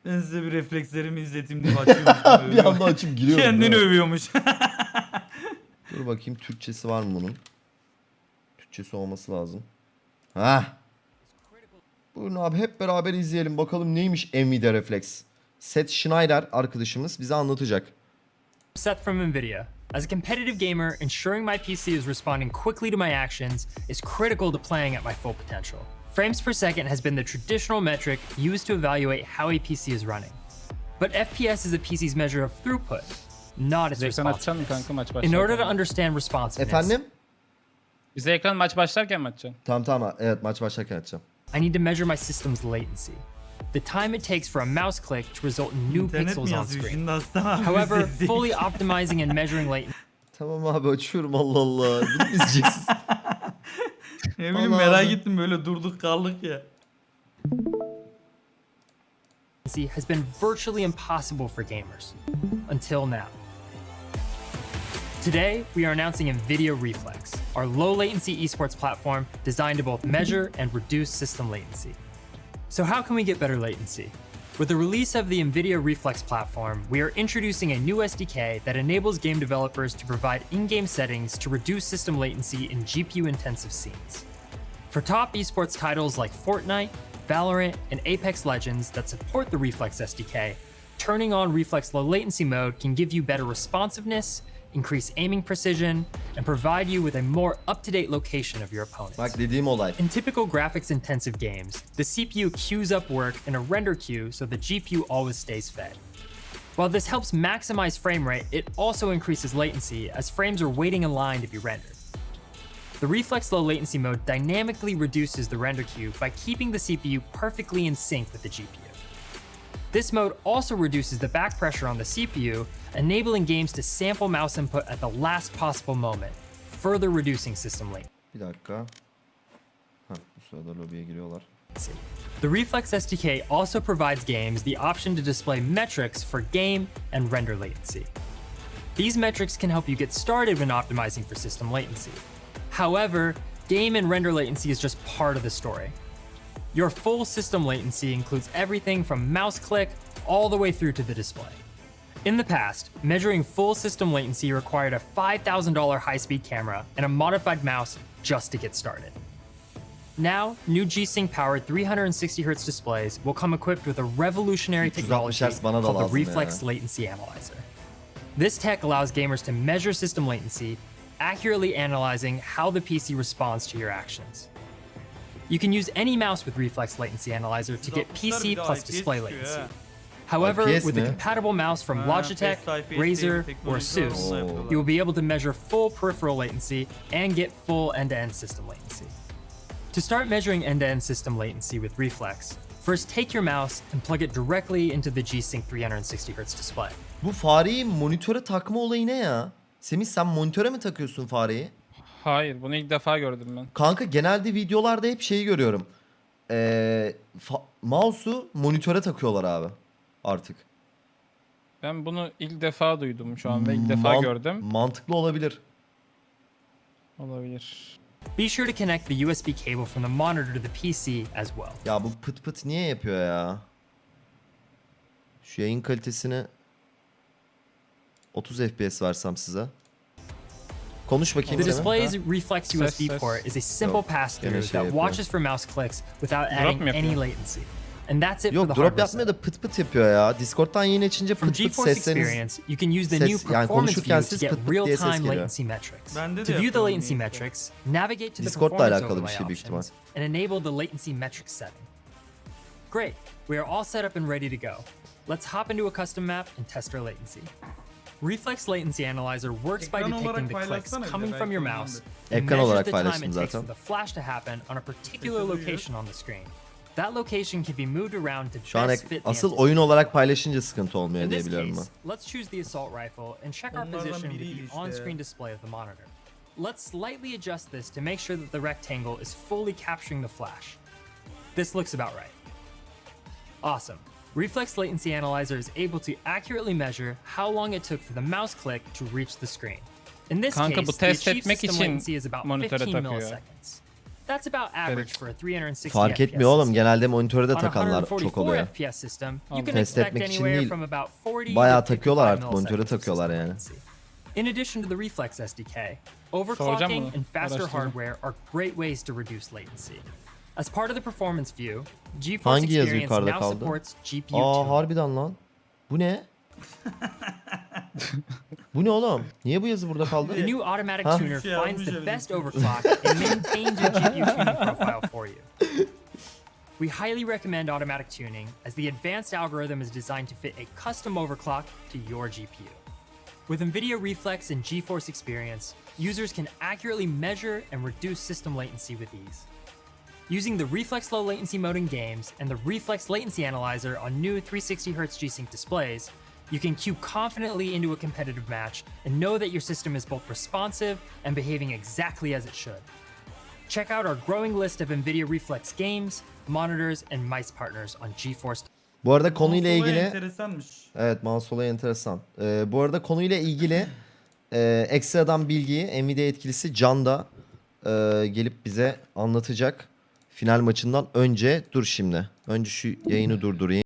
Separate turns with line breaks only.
Ben size bir reflekslerimi izleteyim diye açıyormuş.
Bir anda açıp giriyorum.
Kendini
değil mi?
övüyormuş.
Dur bakayım Türkçesi var mı bunun? Türkçesi olması lazım. Hah. Buyurun abi hep beraber izleyelim. Bakalım neymiş Nvidia Reflex. Seth Schneider arkadaşımız bize anlatacak.
Seth from NVIDIA. As a competitive gamer, ensuring my PC is responding quickly to my actions is critical to playing at my full potential. Frames per second has been the traditional metric used to evaluate how a PC is running. But FPS is a PC's measure of throughput, not its
Bize ekran açacaksın mı
responsiveness.
kanka maç
In
başlarken?
order to understand responsiveness,
Efendim?
Bize ekran maç başlarken mi açacaksın?
Tamam evet maç başlarken açacağım.
I need to measure my system's latency, the time it takes for a mouse click to result in new
İnternet mi
pixels on
yazıyor
screen.
şimdi Aslan abi?
However,
Biz de-
fully optimizing and measuring latency
Tamam abi açıyorum Allah Allah. Bunu mu izleyeceksin?
Ne bileyim
Allah
merak
Allah.
ettim böyle durduk kaldık ya.
has been virtually impossible for gamers until now. Today, we are announcing NVIDIA Reflex, our low latency esports platform designed to both measure and reduce system latency. So, how can we get better latency? With the release of the NVIDIA Reflex platform, we are introducing a new SDK that enables game developers to provide in game settings to reduce system latency in GPU intensive scenes. For top esports titles like Fortnite, Valorant, and Apex Legends that support the Reflex SDK, turning on Reflex low latency mode can give you better responsiveness, increase aiming precision, and provide you with a more up-to-date location of your opponents.
Bak dediğim olay.
In typical graphics-intensive games, the CPU queues up work in a render queue so the GPU always stays fed. While this helps maximize frame rate, it also increases latency as frames are waiting in line to be rendered. The Reflex low latency mode dynamically reduces the render queue by keeping the CPU perfectly in sync with the GPU. This mode also reduces the back pressure on the CPU, enabling games to sample mouse input at the last possible moment, further reducing system latency.
Bir dakika. Hah, bu sırada lobiye giriyorlar.
The Reflex SDK also provides games the option to display metrics for game and render latency. These metrics can help you get started when optimizing for system latency. However, game and render latency is just part of the story. Your full system latency includes everything from mouse click all the way through to the display. In the past, measuring full system latency required a $5,000 high-speed camera and a modified mouse just to get started. Now, new G-Sync-powered 360Hz displays will come equipped with a revolutionary
360
technology
Hz bana da
called the
lazım ya.
Reflex Latency Analyzer. This tech allows gamers to measure system latency, accurately analyzing how the PC responds to your actions. You can use any mouse with Reflex Latency Analyzer to get PC plus display latency. However,
IPS
with a
mi?
compatible mouse from Logitech,
IPS
Razer,
değil,
or
teknoloji
Asus,
onunla yapıyorlar.
you will be able to measure full peripheral latency and get full end-to-end system latency. To start measuring end-to-end system latency with Reflex, first take your mouse and plug it directly into the G-Sync 360Hz display.
Bu fareyi monitöre takma olayı ne ya? Semih sen monitöre mi takıyorsun fareyi?
Hayır, bunu ilk defa gördüm ben.
Kanka genelde videolarda hep şeyi görüyorum. Mouse'u monitöre takıyorlar abi. Artık.
Ben bunu ilk defa duydum şu an ve ilk defa gördüm.
Mantıklı olabilir.
Olabilir.
Be sure to connect the USB cable from the monitor to the PC as well.
Ya bu pıt pıt niye yapıyor ya? Şu yayın kalitesini 30 FPS versem size. Konuş bakayım
The
Semih.
display's Reflex
Ses,
USB
ses.
port is a simple
Yok,
pass-through
gene şey
that
yapıyor.
watches for mouse clicks without adding
mu yapıyor?
any latency. And that's it for
Yok
the
drop
hardware
yapmıyor
setup.
da pıt pıt yapıyor ya. Discord'dan yayın açınca
From
pıt pıt
GeForce
sesleriniz...
Experience, you can use the
ses-
new
yani
performance
konuşurken
view to
siz
get
pıt pıt diye ses
real-time
geliyor.
latency metrics.
Bende de
To view the
yapıyorum
latency
niyeyse.
metrics, navigate to the
Discord'la
performance
alakalı bir
overlay
şey büyük ihtimal.
options and enable the latency metrics setting. Great, we are all set up and ready to go. Let's hop into a custom map and test our latency. Reflex Latency Analyzer works by
Ekran
detecting
olarak
the clicks
paylaşsana bir de,
coming from your
belki
mouse
ondandır.
and
Ekran
measures
olarak
the time
paylaştım
it takes for
zaten.
the flash to happen on a particular
Ekranı
location on the screen. That location can be moved around to
Şu an
best fit the
asıl
anticipated
oyun olarak paylaşınca sıkıntı olmuyor
In
diye
this
biliyorum
case,
ben.
let's choose the assault rifle and check our
Onlardan
position with
biriydi
the
işte.
on-screen display of the monitor. Let's slightly adjust this to make sure that the rectangle is fully capturing the flash. This looks about right. Awesome. Reflex Latency Analyzer is able to accurately measure how long it took for the mouse click to reach the screen. In this
Kanka,
case,
bu
the
test
achieved
etmek
system
için
latency is about
monitöre
15
takıyor.
milliseconds. That's about average for a 360
Fark
FPS
etmiyor oğlum.
system.
Genelde monitöre de
On a
takanlar
144
çok oluyor.
FPS system, you
Anladım.
can
Test
expect
etmek için
anywhere
değil,
from about 40
bayağı
to
takıyorlar
55
artık, monitöre
milliseconds of
takıyorlar
system
yani.
latency. In addition to the Reflex SDK,
Soracağım
overclocking
bunu,
and faster
araştıracağım.
hardware are great ways to reduce latency. As part of the performance view, GeForce
Hangi yazı
Experience
yukarıda
now
kaldı?
supports GPU
Aa
tuning.
harbiden lan. Bu ne? Bu ne oğlum? Niye bu yazı burada kaldı?
The new automatic
Huh?
tuner
Yeah,
finds
we
the
should-
best overclock and maintains your GPU tuning profile for you. We highly recommend automatic tuning, as the advanced algorithm is designed to fit a custom overclock to your GPU. With NVIDIA Reflex and GeForce Experience, users can accurately measure and reduce system latency with ease. Using the Reflex Low Latency mode in games and the Reflex Latency Analyzer on new 360Hz G-Sync displays, you can queue confidently into a competitive match and know that your system is both responsive and behaving exactly as it should. Check out our growing list of NVIDIA Reflex games, monitors, and mice partners on GeForce.
Bu arada konuyla
Konsola
ilgili
enteresanmış.
evet, mouse olayı enteresan. Bu arada konuyla ilgili ekstradan bilgiyi Nvidia yetkilisi Can da gelip bize anlatacak. Final maçından önce dur şimdi. Önce şu yayını durdurayım.